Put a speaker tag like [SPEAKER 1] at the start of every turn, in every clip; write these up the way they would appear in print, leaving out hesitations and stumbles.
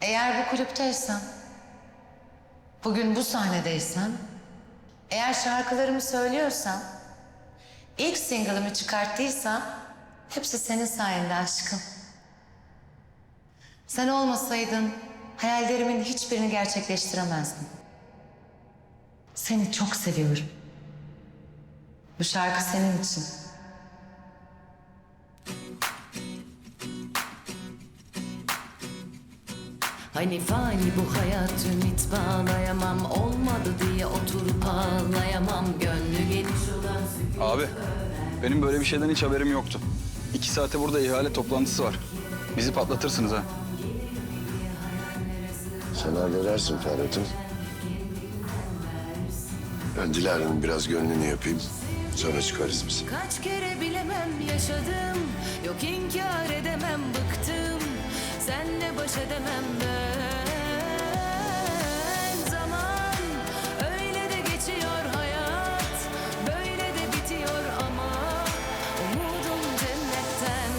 [SPEAKER 1] Eğer bu kulüpteysen, bugün bu sahnedeysen, eğer şarkılarımı söylüyorsam, ilk single'ımı çıkarttıysam hepsi senin sayende aşkım. Sen olmasaydın hayallerimin hiçbirini gerçekleştiremezdim. Seni çok seviyorum. Bu şarkı senin için.
[SPEAKER 2] Hani fani bu hayat ümit bağlayamam. Olmadı diye oturup ağlayamam. Gönlü geniş olan sükût.
[SPEAKER 3] Abi, benim böyle bir şeyden hiç haberim yoktu. 2 saate burada ihale toplantısı var. Bizi patlatırsınız ha.
[SPEAKER 4] Sen halledersin Ferhat'ım. Ben Dilara'nın biraz gönlünü yapayım. Sonra çıkarız biz.
[SPEAKER 2] Kaç kere bilemem yaşadım. Yok inkar edemem bıktım. Senle baş edemem ben. Zaman öyle de geçiyor hayat. Böyle de bitiyor ama umudum cennetten.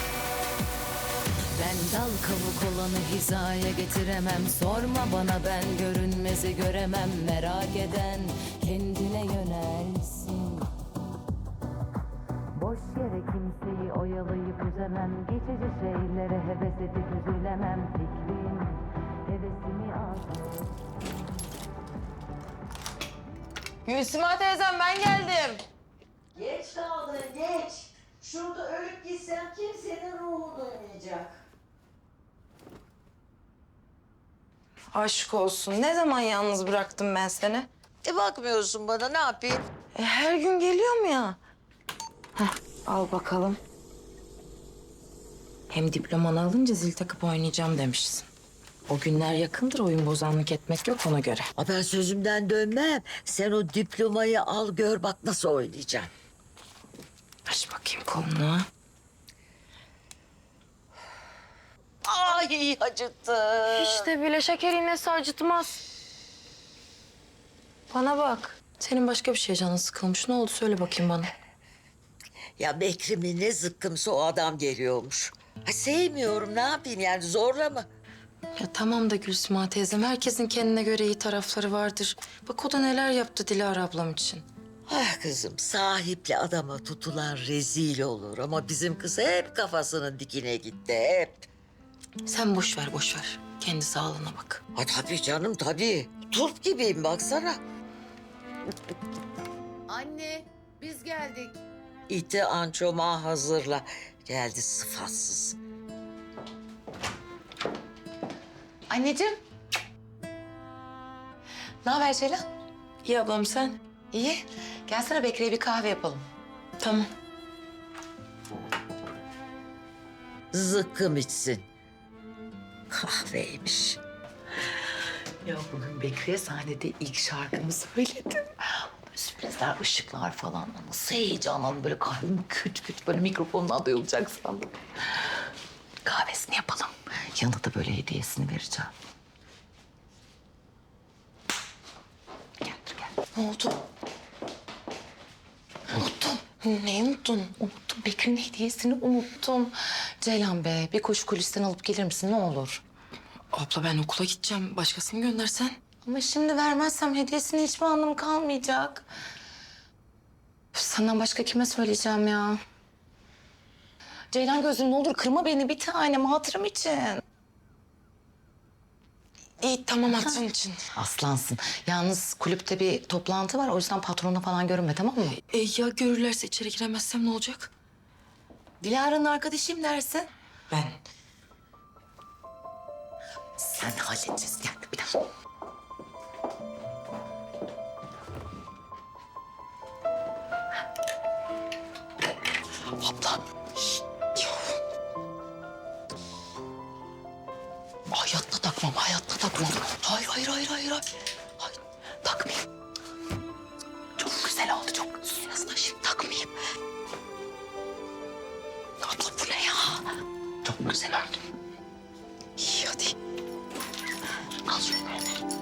[SPEAKER 2] Ben dal kavuk olanı hizaya getiremem. Sorma bana, ben görünmezi göremem. Merak eden kendine yönelsin. Boş yere kimseyi oyalayıp üzemem. Geçici şeylere heves edip üzülemem. Fikrim hevesimi aldı.
[SPEAKER 5] Gülsüma teyzem ben geldim.
[SPEAKER 6] Geç kaldın geç. Şurada ölüp gitsem kimsenin ruhu duymayacak.
[SPEAKER 5] Aşk olsun. Ne zaman yalnız bıraktım ben seni?
[SPEAKER 6] Bakmıyorsun bana, ne yapayım?
[SPEAKER 5] Her gün geliyorum ya. Heh, al bakalım. Hem diplomanı alınca zil takıp oynayacağım demişsin. O günler yakındır, oyun bozanlık etmek yok ona göre.
[SPEAKER 6] Ben sözümden dönmem. Sen o diplomayı al gör bak nasıl oynayacağım.
[SPEAKER 5] Aç bakayım kolunu.
[SPEAKER 6] Ay acıttı.
[SPEAKER 5] İşte bile şeker iğnesi acıtmaz. Bana bak. Senin başka bir şey canın sıkılmış. Ne oldu söyle bakayım bana.
[SPEAKER 6] Ya Bekrim'in ne zıkkımsa o adam geliyormuş. Ha, sevmiyorum, ne yapayım yani, zorla mı?
[SPEAKER 5] Ya tamam da Gülsüma teyzem, herkesin kendine göre iyi tarafları vardır. Bak o da neler yaptı Dilara ablam için.
[SPEAKER 6] Ah kızım, sahipli adama tutulan rezil olur ama bizim kız hep kafasının dikine gitti, hep.
[SPEAKER 5] Sen boş ver, boş ver. Kendi sağlığına bak.
[SPEAKER 6] Ha tabii canım, tabii. Turp gibiyim baksana.
[SPEAKER 2] Anne, biz geldik.
[SPEAKER 6] İti ançoma hazırla. Geldi sıfatsız.
[SPEAKER 1] Anneciğim. Ne haber Ceylan?
[SPEAKER 5] İyi ablam sen?
[SPEAKER 1] İyi. Gelsene Bekir'e bir kahve yapalım.
[SPEAKER 5] Tamam.
[SPEAKER 6] Zıkkım içsin. Kahveymiş.
[SPEAKER 7] Ya bugün Bekri'ye sahnede ilk şarkımı söyledim. Sürprizler, ışıklar falan. Nasıl heyecanlandım. Böyle kalbim küt küt böyle mikrofonla duyulacak sandım. Kahvesini yapalım. Yanında da böyle hediyesini vereceğim. Gel, gel.
[SPEAKER 5] Ne oldu? Unuttum. Neyi unuttun?
[SPEAKER 7] Unuttum. Bekir'in hediyesini unuttum.
[SPEAKER 5] Ceylan be, bir koşu kulisten alıp gelir misin ne olur? Abla ben okula gideceğim. Başkasını göndersen. Ama şimdi vermezsem hediyesinin hiçbir anlamı kalmayacak. Senden başka kime söyleyeceğim ya? Ceylan gözüm ne olur kırma beni bir tanem hatırım için. İyi tamam hatırın için.
[SPEAKER 7] Aslansın. Yalnız kulüpte bir toplantı var. O yüzden patronla falan görünme, tamam mı?
[SPEAKER 5] Ya görürlerse içeri giremezsem ne olacak?
[SPEAKER 7] Dilara'nın arkadaşıyım dersin.
[SPEAKER 5] Ben.
[SPEAKER 7] Sen halledeceğiz. Gel bir dakika.
[SPEAKER 5] Abla. Şşt, ya. Hayatta takmam, hayatta takmam. Hayır, hayır, hayır, hayır. Hayır, takmayayım. Çok güzel oldu, çok. Aslında şimdi takmayayım. Abla bu ne ya?
[SPEAKER 7] Çok güzel oldu.
[SPEAKER 5] İyi hadi.
[SPEAKER 7] Al şunu.